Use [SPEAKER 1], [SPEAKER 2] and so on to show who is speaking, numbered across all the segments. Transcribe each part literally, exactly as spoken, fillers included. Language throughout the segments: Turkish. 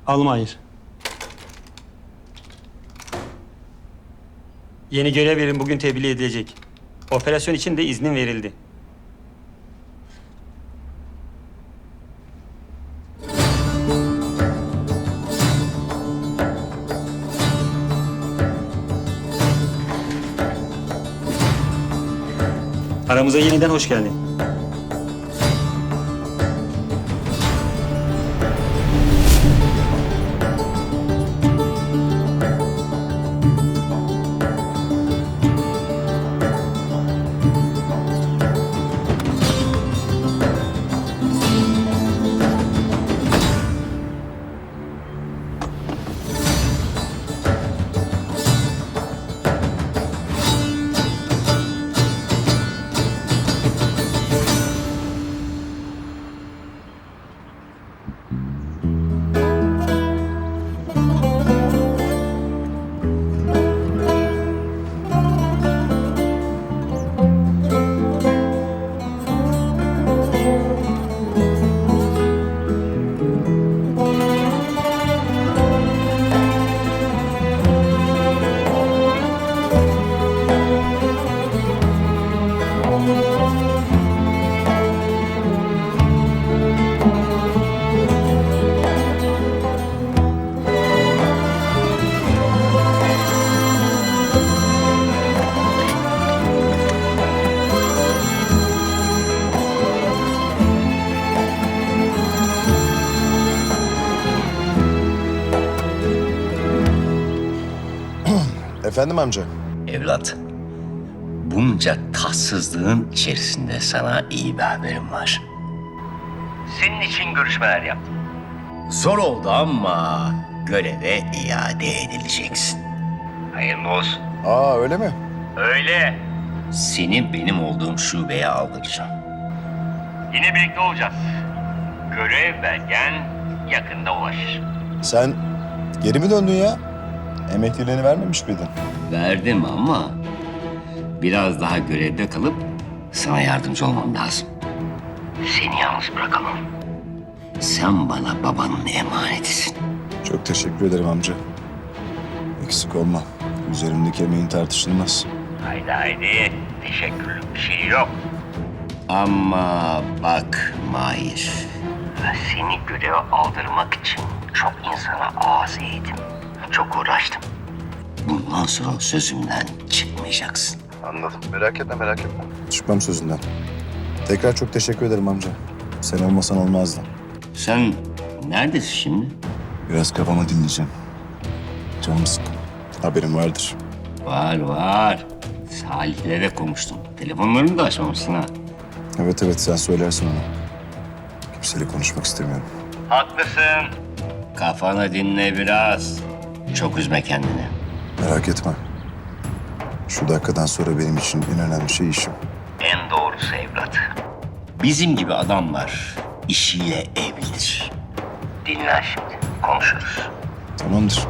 [SPEAKER 1] Almayır. Yeni görev yerim bugün tebliğ edilecek. Operasyon için de iznin verildi. Aramıza yeniden hoş geldin.
[SPEAKER 2] Efendim amca?
[SPEAKER 3] Evlat, bunca tatsızlığın içerisinde sana iyi bir haberim var. Senin için görüşmeler yaptım. Zor oldu ama göreve iade edileceksin. Hayırlı olsun.
[SPEAKER 2] Aa öyle mi?
[SPEAKER 3] Öyle. Seni benim olduğum şubeye aldıracağım. Yine birlikte olacağız. Görev belgen yakında ulaşır.
[SPEAKER 2] Sen geri mi döndün ya? Emekliliğini vermemiş miydin?
[SPEAKER 3] Verdim ama biraz daha görevde kalıp sana yardımcı olmam lazım. Seni yalnız bırakamam. Sen bana babanın emanetisin.
[SPEAKER 2] Çok teşekkür ederim amca. Eksik olma. Üzerimdeki emeğin tartışılmaz.
[SPEAKER 3] Haydi haydi. Teşekkürlük bir şey yok. Ama bak Mahir. Seni göreve aldırmak için çok insana ağız eğdim. Çok uğraştım. Bundan sonra sözümden çıkmayacaksın.
[SPEAKER 2] Anladım. Merak etme, merak etme. Çıkmam sözünden. Tekrar çok teşekkür ederim amca. Sen olmasan olmazdı.
[SPEAKER 3] Sen neredesin şimdi?
[SPEAKER 2] Biraz kafamı dinleyeceğim. Canım sıkkın. Haberin vardır.
[SPEAKER 3] Var var. Salih'le de konuştum. Telefonlarını da açmamışsın ha.
[SPEAKER 2] Evet evet, sen söylersin ona. Kimseyle konuşmak istemiyorum.
[SPEAKER 3] Haklısın. Kafanı dinle biraz. Çok üzme kendini.
[SPEAKER 2] Merak etme. Şu dakikadan sonra benim için en önemli şey işim.
[SPEAKER 3] En doğrusu evlat. Bizim gibi adamlar işiyle evlidir. Dinle şimdi. Konuşuruz.
[SPEAKER 2] Tamamdır.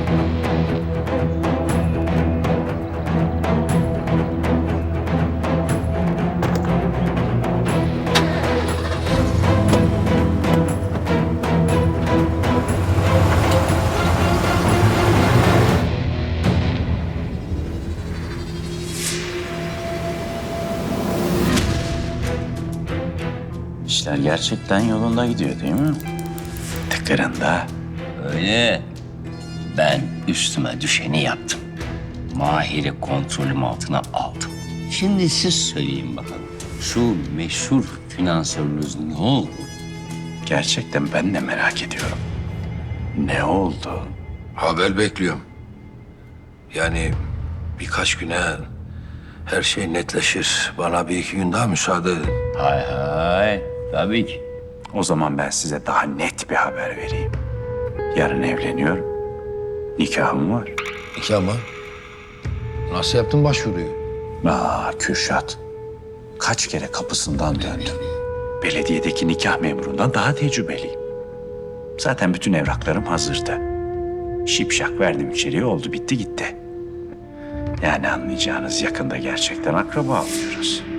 [SPEAKER 4] İşler gerçekten yolunda gidiyor değil mi? Tıkırında.
[SPEAKER 3] Öyle. Ben üstüme düşeni yaptım. Mahir'i kontrolüm altına aldım. Şimdi siz söyleyin bakalım. Şu meşhur finansörünüz ne oldu?
[SPEAKER 4] Gerçekten ben de merak ediyorum. Ne oldu?
[SPEAKER 5] Haber bekliyorum. Yani birkaç güne her şey netleşir. Bana bir iki gün daha müsaade edin.
[SPEAKER 3] Hay hay. Tabii ki.
[SPEAKER 4] O zaman ben size daha net bir haber vereyim. Yarın evleniyorum. Nikahım var.
[SPEAKER 5] İki ama nasıl yaptın başvuruyu?
[SPEAKER 4] Aa Kürşat. Kaç kere kapısından döndüm. Belediyedeki nikah memurundan daha tecrübeliyim. Zaten bütün evraklarım hazırdı. Şipşak verdim içeriye, oldu bitti gitti. Yani anlayacağınız yakında gerçekten akraba oluyoruz.